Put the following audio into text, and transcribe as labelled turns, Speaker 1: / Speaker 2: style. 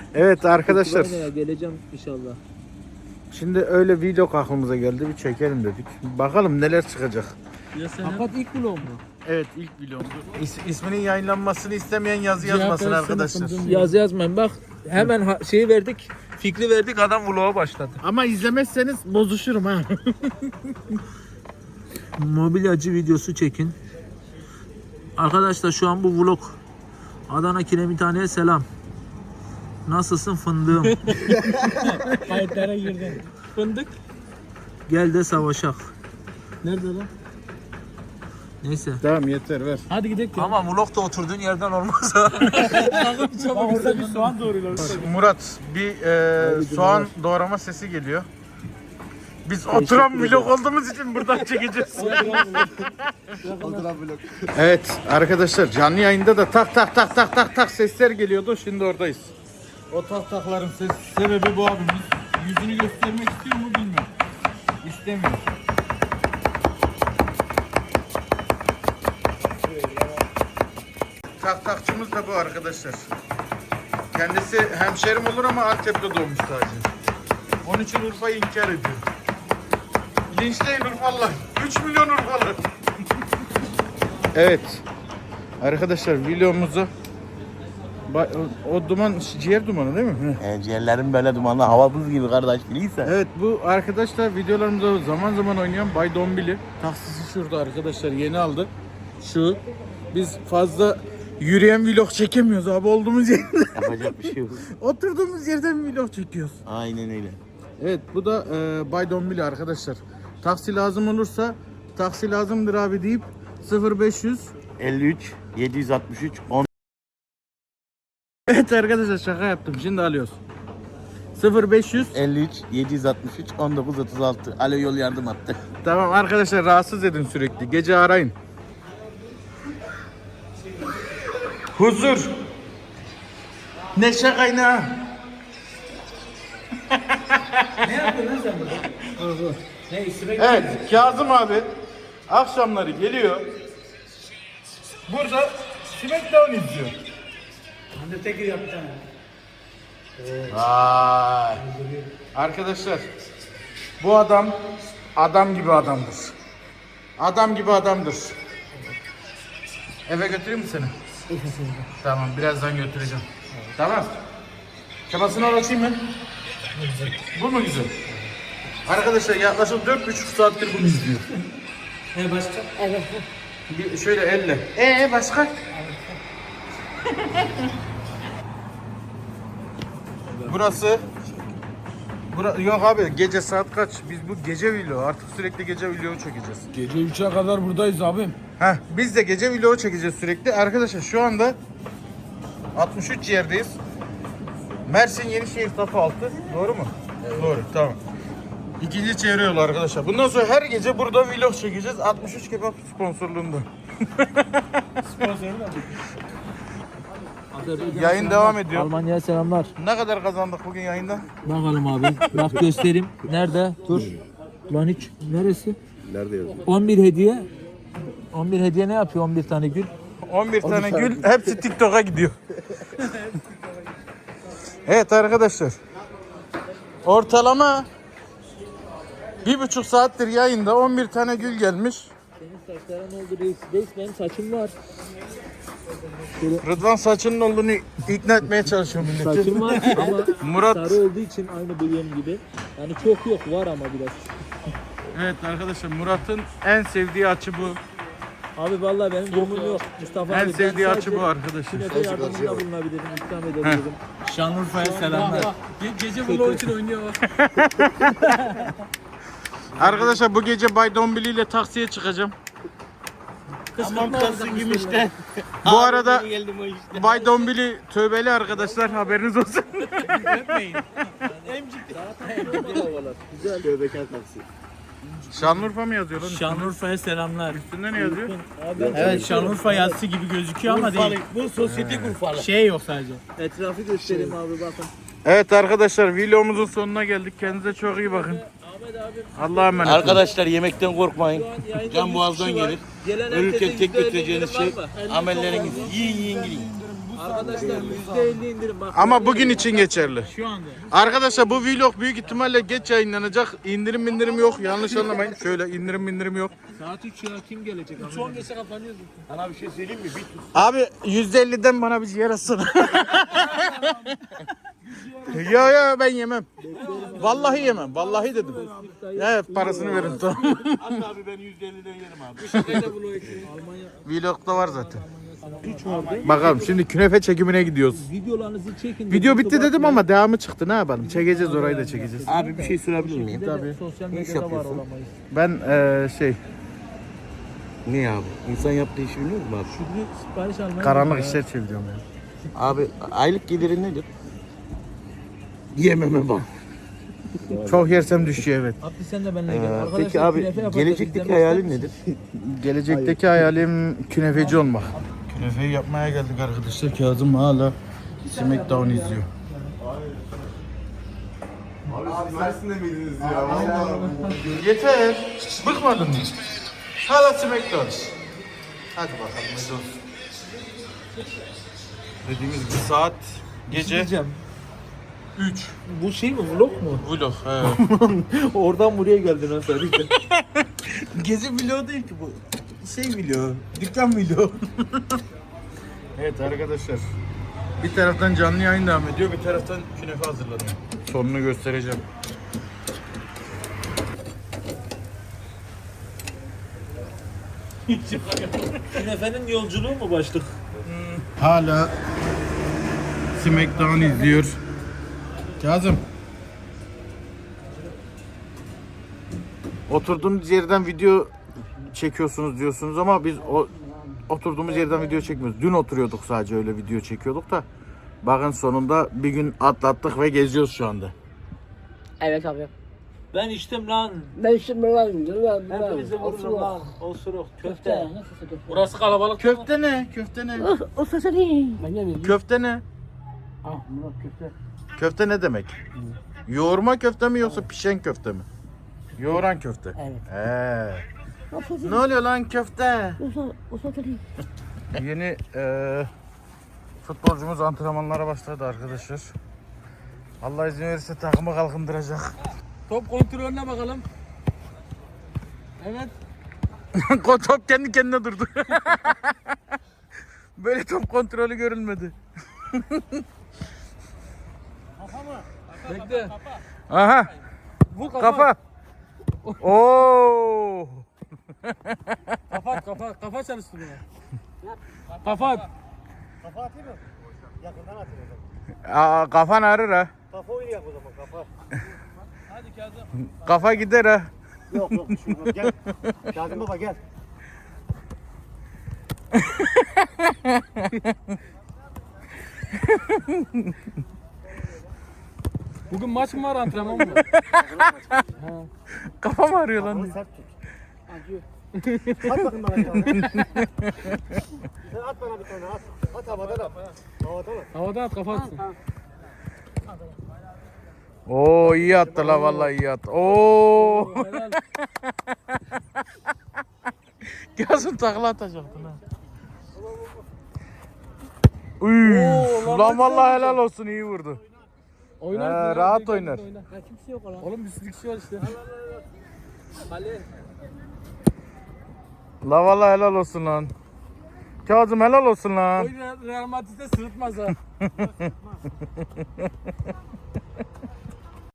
Speaker 1: Evet arkadaşlar.
Speaker 2: Ukrayna'ya geleceğim inşallah.
Speaker 1: Şimdi öyle vlog aklımıza geldi. Bir çekelim dedik. Bakalım neler çıkacak.
Speaker 2: Fakat ilk vlog mu?
Speaker 1: Evet ilk vlogumdu. İsminin yayınlanmasını istemeyen yazı yazmasın arkadaşlar.
Speaker 2: Yazı yazmayın bak. Hemen şeyi verdik. Fikri verdik, adam vloga başladı.
Speaker 1: Ama izlemezseniz bozuşurum ha.
Speaker 2: Mobilyacı videosu çekin. Arkadaşlar şu an bu vlog. Adana Kiremithane'ye selam. Nasılsın fındığım?
Speaker 3: Kayıtlara girdim. Fındık.
Speaker 2: Gel de savaşak.
Speaker 3: Nerede lan?
Speaker 2: Neyse.
Speaker 1: Tamam yeter ver.
Speaker 3: Hadi gidelim.
Speaker 2: Ama vlog da oturduğun yerden olmaz ha.
Speaker 3: Orada bir soğan doğruyorlar.
Speaker 1: Murat bir soğan doğrama sesi geliyor. Biz oturan vlog olduğumuz için buradan çekeceğiz. Evet arkadaşlar canlı yayında da tak tak tak tak tak tak sesler geliyordu. Şimdi oradayız. O tak takların sebebi bu abimiz. Yüzünü göstermek istiyor mu bilmiyorum. İstemiyor. Tak takçımız da bu arkadaşlar. Kendisi hemşerim olur ama Antep'te doğmuş sadece. Onun için Urfa'yı inkar ediyor. Linçleyin Urfalılar. 3 milyon Urfalı. Evet. Arkadaşlar videomuzu o duman ciğer dumanı değil mi?
Speaker 4: Ciğerlerim böyle dumanlı, hava buz gibi kardeş biliyse.
Speaker 1: Evet bu arkadaşlar videolarımızda zaman zaman oynayan Bay Dombili. Taksisi şurada arkadaşlar yeni aldı. Şu. Biz fazla yürüyen vlog çekemiyoruz abi olduğumuz yerde.
Speaker 4: Yapacak bir şey yok.
Speaker 1: Oturduğumuz yerden vlog çekiyoruz.
Speaker 4: Aynen öyle.
Speaker 1: Evet bu da Bay Dombili arkadaşlar. Taksi lazım olursa taksi lazımdır abi deyip 0500.
Speaker 4: 53 763 10.
Speaker 1: Evet arkadaşlar şaka yaptım şimdi alıyoruz. 0500.
Speaker 4: 53 763 19 36. Alo yol yardım attı.
Speaker 1: Tamam arkadaşlar rahatsız edin sürekli. Gece arayın. Huzur. Neşe kaynağı.
Speaker 3: Ne yapıyorsun lan sen burada? Ne üstüme
Speaker 1: Evet Kazım abi akşamları geliyor. Burada Smackdown izliyor.
Speaker 3: Undertaker yap bir tane.
Speaker 1: Vay. Arkadaşlar bu adam gibi adamdır. Adam gibi adamdır. Eve götüreyim mi seni? Tamam birazdan götüreceğim. Tamam. Kafasını açayım mı? Bu mu güzel? Arkadaşlar yaklaşık 4,5 saattir bunu izliyor.
Speaker 3: Başka? Evet.
Speaker 1: Bir şöyle elle. Başka? Burası yok abi gece saat kaç? Biz bu gece vlogu artık sürekli gece vlogu çekeceğiz.
Speaker 3: Gece 3'e kadar buradayız abim.
Speaker 1: Biz de gece vlogu çekeceğiz sürekli. Arkadaşlar şu anda 63 yerdeyiz. Mersin Yenişehir Tapu Altı. Doğru mu? Evet. Doğru tamam. İkinci çevre yolu arkadaşlar. Bundan sonra her gece burada vlog çekeceğiz. 63 kebap sponsorluğunda.
Speaker 3: Sponsoru da.
Speaker 1: Yayın devam ediyor.
Speaker 2: Almanya'ya selamlar.
Speaker 1: Ne kadar kazandık bugün yayında?
Speaker 2: Bakalım abi. Bak göstereyim. Nerede? Dur. Lan hiç. Neresi?
Speaker 4: Nerede yazıyor?
Speaker 2: 11 hediye. 11 hediye ne yapıyor 11 tane gül?
Speaker 1: 11 tane gül hepsi TikTok'a gidiyor. Evet arkadaşlar. Ortalama 1,5 saattir yayında 11 tane gül gelmiş.
Speaker 2: Senin saçların oldu reis. Reis benim saçım var.
Speaker 1: Rıdvan saçının olduğunu ikna etmeye çalışıyor milleti.
Speaker 2: Saçım var ama
Speaker 1: Murat.
Speaker 2: sarı olduğu için aynı benim gibi. Yani çok yok var ama biraz.
Speaker 1: Evet arkadaşlar Murat'ın en sevdiği açı bu.
Speaker 2: Abi vallahi benim durumum yok. Mustafa
Speaker 1: En
Speaker 2: abi
Speaker 1: sevdiği
Speaker 2: ben
Speaker 1: açı bu arkadaşlar.
Speaker 2: Künefe yardımında bulunabilirim, ikram edebilirim.
Speaker 3: Şanlıurfa'ya selamlar. Gece vlog için oynuyor.
Speaker 1: Arkadaşlar bu gece Bay Dombili ile taksiye çıkacağım.
Speaker 3: Tamam kalsın gümüşten.
Speaker 1: Bu arada
Speaker 4: Geldim o işte.
Speaker 1: Bay Dombili tövbeli arkadaşlar haberiniz olsun.
Speaker 3: Öpmeyin.
Speaker 2: Güzel.
Speaker 4: Tövbekar taksi.
Speaker 1: Şanlıurfa mı yazıyor lan?
Speaker 3: Şanlıurfa'ya selamlar.
Speaker 1: Üstünde ne yazıyor?
Speaker 2: Abi ben
Speaker 3: Evet Şanlıurfa yazısı gibi gözüküyor ama değil.
Speaker 4: Bu sosyetik Urfalı.
Speaker 3: Şey yok sadece.
Speaker 2: etrafı göstereyim abi bakın.
Speaker 1: Evet arkadaşlar vlogumuzun sonuna geldik. Kendinize çok iyi bakın.
Speaker 2: Ahmet abi
Speaker 1: Allah'a emanet olun.
Speaker 4: Arkadaşlar yemekten korkmayın.
Speaker 2: şu an yayında
Speaker 4: Can
Speaker 2: 100
Speaker 4: boğazdan
Speaker 2: kişi var.
Speaker 4: gelir.
Speaker 2: Gelen
Speaker 4: Ölürken
Speaker 2: herkese
Speaker 4: tek
Speaker 2: %50
Speaker 4: götüreceğiniz
Speaker 2: indirim
Speaker 4: şey
Speaker 2: var mı?
Speaker 4: amelleriniz. Yiyin yiyin gidin.
Speaker 2: Arkadaşlar %50 indirim bak.
Speaker 1: Ama bugün için geçerli.
Speaker 2: Şu anda.
Speaker 1: Arkadaşlar bu vlog büyük ihtimalle geç yayınlanacak. İndirim yok. Yanlış anlamayın. Şöyle indirim yok.
Speaker 2: Saat 3 ya kim gelecek? Şu an geçe kapanıyor.
Speaker 3: Sana bir şey söyleyeyim mi? Bir tut.
Speaker 1: Abi %50'den bana bir ciğer atsana. Ya ben yemem. Vallahi yemem. Vallahi dedim. Ya parasını verin tamam.
Speaker 3: Hatta abi ben %50'den yerim abi.
Speaker 2: Şakayla bunu Almanya.
Speaker 1: Vlog'da var zaten. Bakalım şimdi künefe çekimine gidiyoruz.
Speaker 2: Videolarınızı çekin.
Speaker 1: Video bitti dedim ama devamı çıktı. Ne yapalım? Çekeceğiz orayı da çekeceğiz.
Speaker 3: Abi bir şey sorabilir miyim?
Speaker 1: Tabii.
Speaker 2: Sosyal
Speaker 3: Ne iş
Speaker 2: medyada var
Speaker 3: yapıyorsun?
Speaker 2: olamayız.
Speaker 1: Ben
Speaker 3: Ne abi? İnsan yaptığı işi biliyor musun abi?
Speaker 2: Şükrü sipariş almaya
Speaker 1: karanlık
Speaker 2: gidiyor
Speaker 1: işler çeviriyorum ya.
Speaker 3: Abi aylık gelirin nedir? Yememe bak.
Speaker 1: Çok yersem düşüyor evet.
Speaker 2: Abdi sen de benimle gel. Arkadaşlar
Speaker 3: Peki abi
Speaker 2: künefe yapacağız.
Speaker 3: gelecekteki
Speaker 2: İzlemek
Speaker 3: hayalin
Speaker 2: ister
Speaker 3: nedir?
Speaker 1: Gelecekteki hayalim künefeci olmak. Künefeyi yapmaya geldik arkadaşlar. Kazım hala Smackdown izliyor.
Speaker 5: Mersin'de miydiniz ya?
Speaker 1: Yeter. Bıkmadın mı? Hala Smackdown. Hadi bakalım hadi olsun. Dediğimiz gibi saat gece
Speaker 2: Diyeceğim.
Speaker 1: 3.
Speaker 2: Bu şey mi vlog mu?
Speaker 1: Vlog. He.
Speaker 2: Oradan buraya geldin ha sen.
Speaker 1: Gezi vlogu değil ki bu. Şey vlogu. Dükkan vlogu. Evet arkadaşlar. Bir taraftan canlı yayın devam ediyor. Bir taraftan künefe hazırladım. Sonunu göstereceğim.
Speaker 2: Künefenin yolculuğu mu başlık?
Speaker 1: Hala Smackdown izliyor. Kazım. Oturduğunuz yerden video çekiyorsunuz diyorsunuz ama biz oturduğumuz yerden video çekmiyoruz. Dün oturuyorduk sadece öyle video çekiyorduk da. Bakın sonunda bir gün atlattık ve geziyoruz şu anda.
Speaker 6: Evet abi.
Speaker 2: Ben içtim lan.
Speaker 6: Ben şimdi lan.
Speaker 2: Hepinize vururum lan. Osuruk, köfte.
Speaker 6: Nasıl köfte?
Speaker 2: Burası kalabalık.
Speaker 1: Köfte ne? Köfte ne?
Speaker 6: O sesi değil. Ben yemiyorum.
Speaker 1: Köfte ne?
Speaker 6: Ah Murat köfte.
Speaker 1: Köfte ne demek? Yoğurma köfte mi yoksa pişen köfte mi? Yoğuran köfte.
Speaker 6: Evet. O sesi
Speaker 1: Ne oluyor lan köfte?
Speaker 6: o sesi değil.
Speaker 1: Yeni futbolcumuz antrenmanlara başladı arkadaşlar. Allah izin verirse takımı kalkındıracak.
Speaker 2: Top kontrolüne bakalım. Evet.
Speaker 1: Top kendi kendine durdu. Böyle top kontrolü görülmedi.
Speaker 2: Bekle.
Speaker 1: Aha.
Speaker 2: Vur
Speaker 1: Kafa. Oo.
Speaker 2: Kafa çalıştırıyor. Kafa.
Speaker 1: Aa, kafan ağrır ha.
Speaker 3: Kafa oynayak o zaman kafa.
Speaker 2: Hadi Kazım.
Speaker 1: Kafa gider ha.
Speaker 3: Yok şu gel. Kazım baba gel.
Speaker 2: Bugün maç mı var antrenman mı?
Speaker 1: Kafam ağrıyor lan.
Speaker 3: Sert tut. Acıyor. At bakın bana bir tane. Sen at bana bir tane at. At havadan at. Havadan at.
Speaker 2: Havada at kafa atsın.
Speaker 1: Oo iyi attı la vallahi iyi attı. Oo.
Speaker 2: Helal.
Speaker 1: Yazın takla atacaktın ha. Uy, lan vallahi helal olsun iyi vurdu.
Speaker 2: Oynar.
Speaker 1: rahat oynar.
Speaker 6: Ya kimse yok lan.
Speaker 2: Oğlum bir sürü kişi var işte. Ali.
Speaker 1: La vallahi helal olsun lan. Kazım helal olsun lan.
Speaker 2: Real Madrid'de sırıtmaz ha.